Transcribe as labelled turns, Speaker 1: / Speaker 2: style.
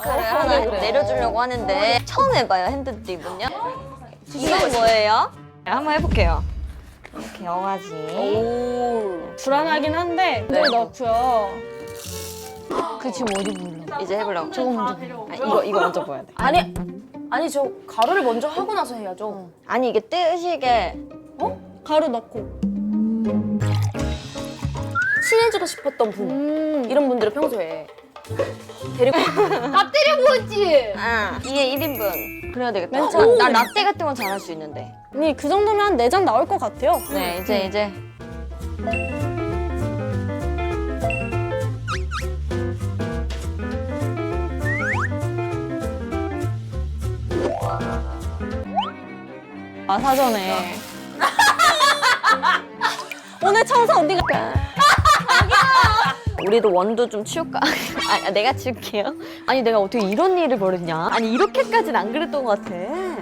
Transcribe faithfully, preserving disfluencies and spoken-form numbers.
Speaker 1: 링크를 하나 내려주려고 하는데 처음 해봐요, 핸드드립은요. 이건 뭐예요? 네, 한번 해볼게요. 이렇게 여가지.
Speaker 2: 오. 불안하긴 한데
Speaker 1: 네.
Speaker 2: 물 넣고요.
Speaker 3: 그 지금 어디 불러?
Speaker 1: 이제 해보려고.
Speaker 3: 저거 먼저 불러. 아, 이거 이거 먼저 보여야 돼.
Speaker 4: 아니 아니 저 가루를 먼저 하고 나서 해야죠.
Speaker 1: 아니 이게 뜨시게.
Speaker 2: 가루 넣고.
Speaker 4: 친해지고 싶었던 분
Speaker 2: 음.
Speaker 4: 이런 분들을 평소에 데리고
Speaker 3: 밥 때려보지.
Speaker 1: 아, 이게 일 인분. 그래야 되겠다.
Speaker 2: 맨
Speaker 1: 어,
Speaker 2: 처음.
Speaker 1: 나 라떼 같은 건 잘할 수 있는데.
Speaker 2: 아니 그 정도면 한 네 잔 나올 것 같아요.
Speaker 1: 네, 이제 이제.
Speaker 2: 아 사전에. 오늘 청소 언니가
Speaker 1: 우리도 원두 좀 치울까? 아, 내가 치울게요. 아니 내가 어떻게 이런 일을 벌였냐? 아니 이렇게까지는 안 그랬던 것 같아.